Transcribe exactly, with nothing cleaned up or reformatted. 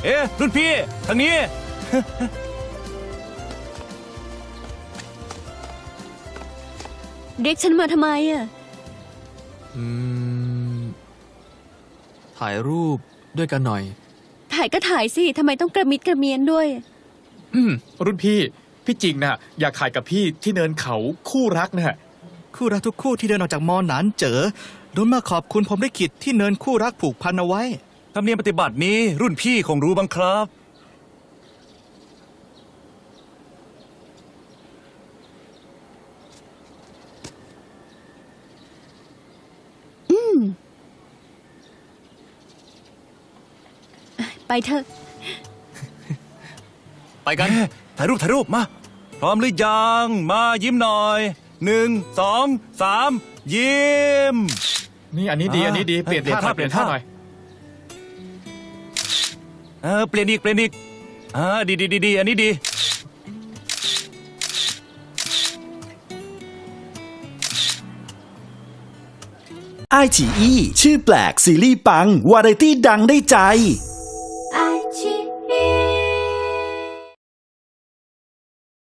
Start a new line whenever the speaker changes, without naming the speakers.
เอ๊ะรุ่นพี่ทางนี้
เรียกฉันมาทำไมอ่ะ
อืมถ่ายรูปด้วยกันหน่อย
ถ่ายก็ถ่ายสิทำไมต้องกระมิดกระเมียนด้วย
อืมรุ่นพี่พี่จริงนะอยากถ่ายกับพี่ที่เนินเขาคู่รักนะ
คู่รักทุกคู่ที่เดินออกจากมอหนานเจอโดนมาขอบคุณผมได้ขิดที่เนินคู่รักผูกพันเอาไว้
ธรรมเนียมปฏิบัตินี้รุ่นพี่คงรู้บ้างครับ
ไปเถอะ
ไปกัน ถ่ายรูปถ่ายรูปมา พร้อมหรือยัง มายิ้มหน่อยหนึ่งสองสามยิ้ม
นี่อันนี้ดี
อ่า
อันนี้ดีเปลี่ยน
เปลี่ยน
ท่า
ท่า
เปลี่ยนท่า
เปลี่ยนท่า
หน่อย
เออเปลี่ยนอีกเปลี่ยนอีกอ่าดีดีดีดีอันนี้ดี
ไอฉีอีชื่อแปลกซีรีส์ปัง วาไรตี้ดังได้ใจ